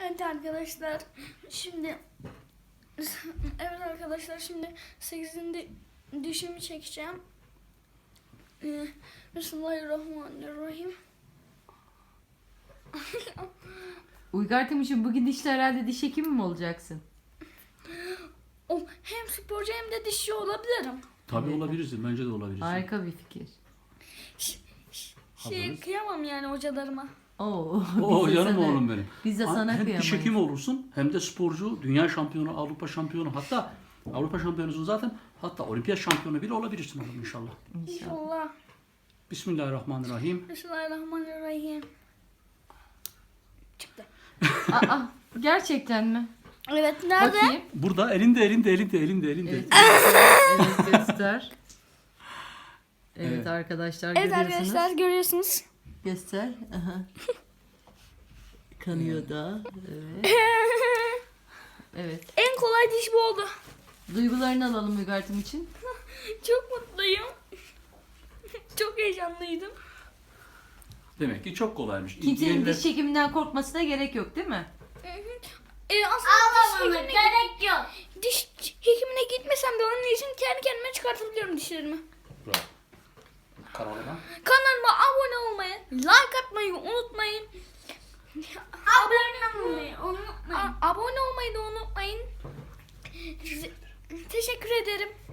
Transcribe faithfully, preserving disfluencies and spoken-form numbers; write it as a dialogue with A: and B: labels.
A: Evet arkadaşlar, şimdi evet arkadaşlar şimdi sekizinci dişimi çekeceğim. Ee, Bismillahirrahmanirrahim.
B: Uygar Timuçin, bugün dişle herhalde diş hekimi mi olacaksın?
A: O, hem sporcu hem de dişçi olabilirim.
C: Tabii
B: Evet.
C: olabilirsin. Bence de olabilirsin.
B: Harika bir fikir.
A: Şey
C: Hazırız.
A: kıyamam yani hocalarıma.
B: Oo,
C: Oo
B: biz de
C: canım
B: sana-
C: oğlum benim.
B: Biz de
C: Ha-
B: sana
C: hem diş
B: kıyamayız.
C: hekimi olursun hem de sporcu, dünya şampiyonu, Avrupa şampiyonu, hatta Avrupa şampiyonusun zaten, hatta olimpiyat şampiyonu bile olabilirsin oğlum inşallah.
B: İnşallah.
A: İnşallah.
C: Bismillahirrahmanirrahim.
A: Bismillahirrahmanirrahim. Çıktı.
B: Aa, gerçekten mi?
A: Evet, nerede?
B: Bakayım.
C: Burada elinde elinde elinde elinde elinde.
B: Evet, evet göster. Evet,
C: Evet.
B: arkadaşlar
A: Evet
B: görüyorsunuz.
A: arkadaşlar görüyorsunuz.
B: Göster. Aha. Kanıyor da. Evet. Evet.
A: En kolay diş bu oldu.
B: Duygularını alalım Uygar Timuçin.
A: Çok mutluyum. Çok heyecanlıydım.
C: Demek ki çok kolaymış.
B: Kimsenin
C: Diğerler-
B: diş çekiminden korkmasına gerek yok, değil mi?
A: Ee, aslında diş hekimine,
D: gerek yok.
A: diş hekimine gitmesem de onun için kendi kendime çıkartabiliyorum dişlerimi.
C: Bravo. Kanalıma.
A: Kanalıma abone olmayı, like atmayı unutmayın.
D: Abone olmayı unutmayın.
A: A- abone olmayı da unutmayın. Size- Teşekkür ederim.